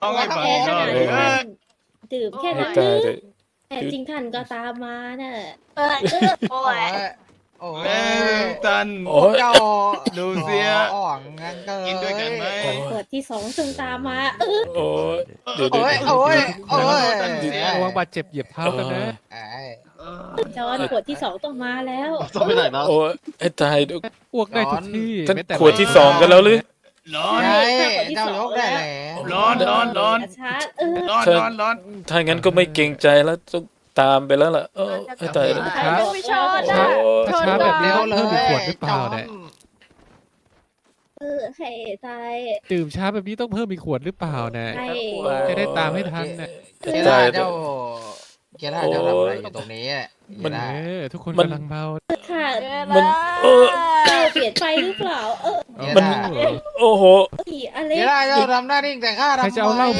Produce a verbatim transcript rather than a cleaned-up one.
ต้องให้บังแค่ขหน่นาอดยที่เอท่าอนดื่มแค่ให้นั้นตายหเลรือย แต่จริงท่านก็ตามมาน่ะเออโอ้โอ้ยยโอ้แม่ยตันโอ้ยเจ้าดูเสียอ่องงั้นเกิกินด้วยกันไหมโอ้ขวดที่สองจึงตามมาเออโอ้ยเดี๋ยวเดี๋ยวโอ้ยเดี๋ยวโอ้ยโอ้ยตันเสียระวังบาดเจ็บเหยียบเท้ากันนะไอ้จอนขวดที่สองต้องมาแล้วต้องไปไหนนะโอ้ยให้ตายดูอ้วกได้ทุกที่ท่านแม้แต่ขวดที่สองกันแล้วหรือร้อนใช่ใช่ขวดที่เจ้าสองยกได้แล้วแล้วร้อนร้อนร้อนชาร์จเออร้อนร้อนร้อนถ้างั้นก็ไม่เกรงใจแล้วต้องตามไปแล้วล่ะเออให้ตายเลยใครจะไม่ชอบโอ้อ่ะถ้าช้าแบบนี้เร็วต้องเลเพิ่มอีกขยวดหรือเปล่าเนี่ยเออให้ตายดื่มช้าแบบนี้ต้องเพิ่มอีกขวดหรือเปล่าเนี่ยให้จะได้ตามให้ทันเนี่ยเกียร์ท่าเจ้าเกียร์ท่าเจ้าทำอะไรอยู่ตรงนี้อะเกียร์เอท่าอทุกคนมันกำลังเมาค่ะมันเออเจ้าเปลี่ยนไปหรือเปล่า เออเกียร์มันท่าโอ้โหอีอเล็เกียกร์ท่าเจ้าทำหน้านิ่งแต่ข้าทำใครจะเอาเหล้าไม